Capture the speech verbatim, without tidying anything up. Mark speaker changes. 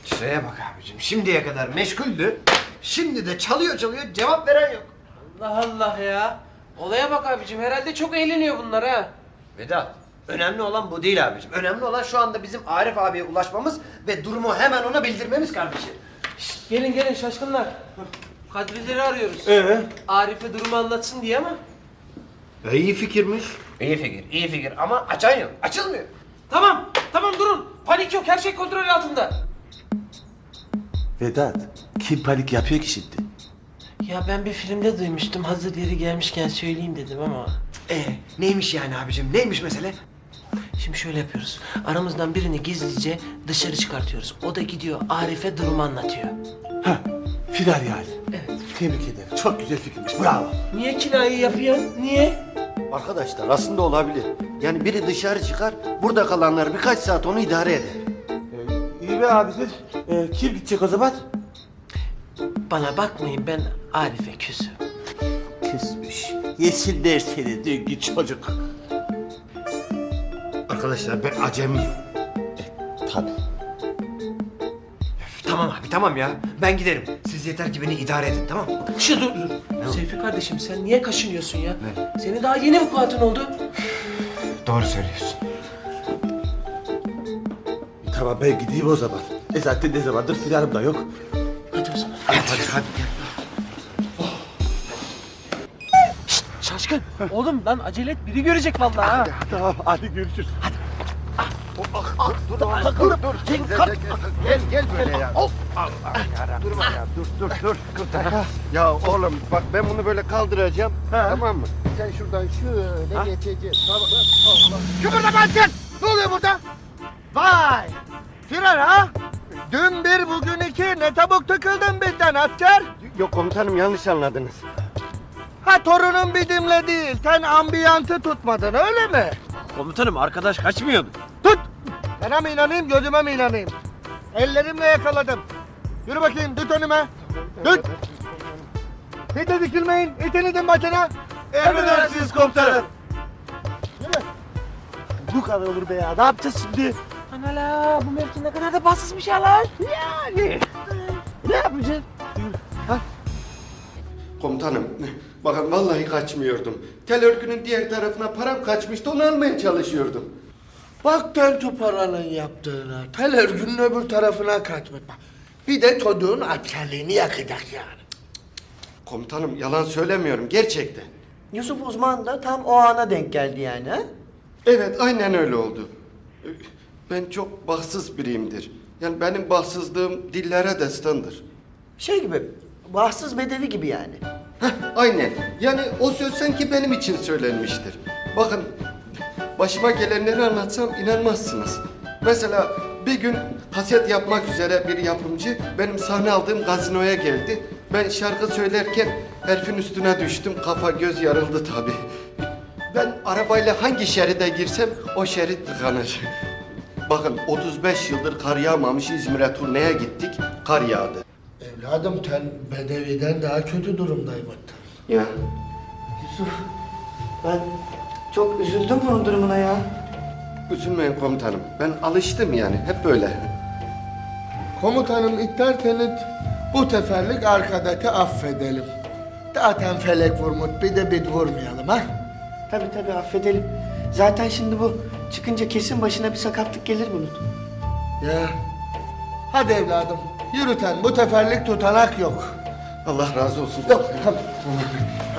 Speaker 1: Şuraya bak abicim, şimdiye kadar meşguldü. Şimdi de çalıyor çalıyor, cevap veren yok.
Speaker 2: Allah Allah ya. Olaya bak abicim, herhalde çok eğleniyor bunlar ha.
Speaker 1: Vedat, önemli olan bu değil abicim. Önemli olan şu anda bizim Arif abiye ulaşmamız ve durumu hemen ona bildirmemiz kardeşim.
Speaker 2: Şişt, gelin gelin şaşkınlar. Kadrileri arıyoruz.
Speaker 1: Ee?
Speaker 2: Arif'e durumu anlatsın diye ama.
Speaker 1: E, iyi fikirmiş. İyi fikir, iyi fikir ama açan yok, açılmıyor.
Speaker 2: Tamam, tamam durun. Panik yok, her şey kontrol altında.
Speaker 3: Vedat, kim panik yapıyor ki şimdi?
Speaker 2: Ya ben bir filmde duymuştum, hazır yeri gelmişken söyleyeyim dedim ama.
Speaker 1: Ee, neymiş yani abicim, neymiş mesele?
Speaker 2: Şimdi şöyle yapıyoruz. Aramızdan birini gizlice dışarı çıkartıyoruz. O da gidiyor Arif'e durumu anlatıyor.
Speaker 3: Ha, final yani.
Speaker 2: Evet.
Speaker 3: Tebrik ederim. Çok güzel fikirmiş. Bravo.
Speaker 2: Niye kinayı yapıyorsun? Niye?
Speaker 4: Arkadaşlar aslında olabilir. Yani biri dışarı çıkar, burada kalanlar birkaç saat onu idare eder.
Speaker 3: Ee, iyi be abidir. Ee, kim gidecek o zaman?
Speaker 2: Bana bakmayın, ben Arif'e küsüm.
Speaker 3: Küsmüş. Yesinler seni dünkü çocuk.
Speaker 4: Arkadaşlar ben acemiyim.
Speaker 3: Tabii.
Speaker 1: Tamam abi, tamam ya. Ben giderim. Siz yeter ki beni idare edin, tamam mı?
Speaker 2: Şu dur dur. Seyfi kardeşim, sen niye kaşınıyorsun ya? Senin daha yeni vukuatın oldu.
Speaker 1: Doğru söylüyorsun.
Speaker 3: Tamam ben gideyim o zaman. E zaten ne zamandır filanım da yok.
Speaker 2: Hadi o zaman.
Speaker 1: Hadi hadi hadi.
Speaker 2: Şaşkın. Oğlum lan acele et, biri görecek vallahi ha.
Speaker 3: Tamam hadi görüşürüz.
Speaker 4: Dur dur dur. Gel gel gel, gel böyle ya. Of. Allah yarabbim. Durma ya. Dur dur dur. Kurtar. Ya oğlum bak ben bunu böyle kaldıracağım. Tamam mı? Sen şuradan şöyle geçeceksin. Tamam. Allah.
Speaker 5: Kıpırdamayın sen! Ne oluyor burada? Vay! Firar ha? Dün bir, bugün iki. Ne tabuk tıkıldın bizden asker?
Speaker 4: Yok komutanım yanlış anladınız.
Speaker 5: Ha torunun bidimle değil. Sen ambiyantı tutmadın öyle mi?
Speaker 1: Komutanım, arkadaş kaçmıyordu.
Speaker 5: Tut! Sana mı inanayım, gözüme mi inanayım? Ellerimle yakaladım. Yürü bakayım, düt önüme. Düt! Hiç de dikilmeyin, itin idin başına.
Speaker 3: Emredersiniz komutanım.
Speaker 5: Yürü.
Speaker 3: Bu kadar olur be ya. Ne yapacağız şimdi?
Speaker 2: Anala, bu mevki ne kadar da bassızmış ya lan.
Speaker 5: Yani. Ne yapacağız?
Speaker 4: Komutanım bakın vallahi kaçmıyordum. Tel örgünün diğer tarafına param kaçmıştı onu almaya çalışıyordum.
Speaker 5: Bak Tentu paranın yaptığına, tel örgünün öbür tarafına kaçmış. Bir de çocuğun askerliğini yakacak yani.
Speaker 4: Komutanım yalan söylemiyorum gerçekten.
Speaker 6: Yusuf Uzman da tam o ana denk geldi yani ha?
Speaker 4: Evet aynen öyle oldu. Ben çok bahtsız biriyimdir. Yani benim bahtsızlığım dillere destandır.
Speaker 6: Şey gibi, bahtsız bedevi gibi yani.
Speaker 4: Heh, aynen. Yani o söz sanki benim için söylenmiştir. Bakın başıma gelenleri anlatsam inanmazsınız. Mesela bir gün kaset yapmak üzere bir yapımcı benim sahne aldığım gazinoya geldi. Ben şarkı söylerken herifin üstüne düştüm. Kafa göz yarıldı tabii. Ben arabayla hangi şeride girsem o şerit tıkanır. Bakın otuz beş yıldır kar yağmamış İzmir'e turneye gittik. Kar yağdı.
Speaker 5: Evladım sen bedeviden daha kötü durumdaymışsın.
Speaker 4: Ya
Speaker 6: Yusuf, ben çok üzüldüm bunun durumuna ya.
Speaker 4: üzülmeyin komutanım. Ben alıştım yani hep böyle.
Speaker 5: Komutanım isterseniz bu seferlik arkadaşı affedelim. Zaten felek vurmuş bir de biz vurmayalım ha.
Speaker 6: Tabii tabii affedelim. Zaten şimdi bu çıkınca kesin başına bir sakatlık gelir bunun.
Speaker 5: Ya. Hadi evladım yürü sen bu seferlik tutanak yok.
Speaker 4: Allah razı olsun.
Speaker 5: Yok tamam.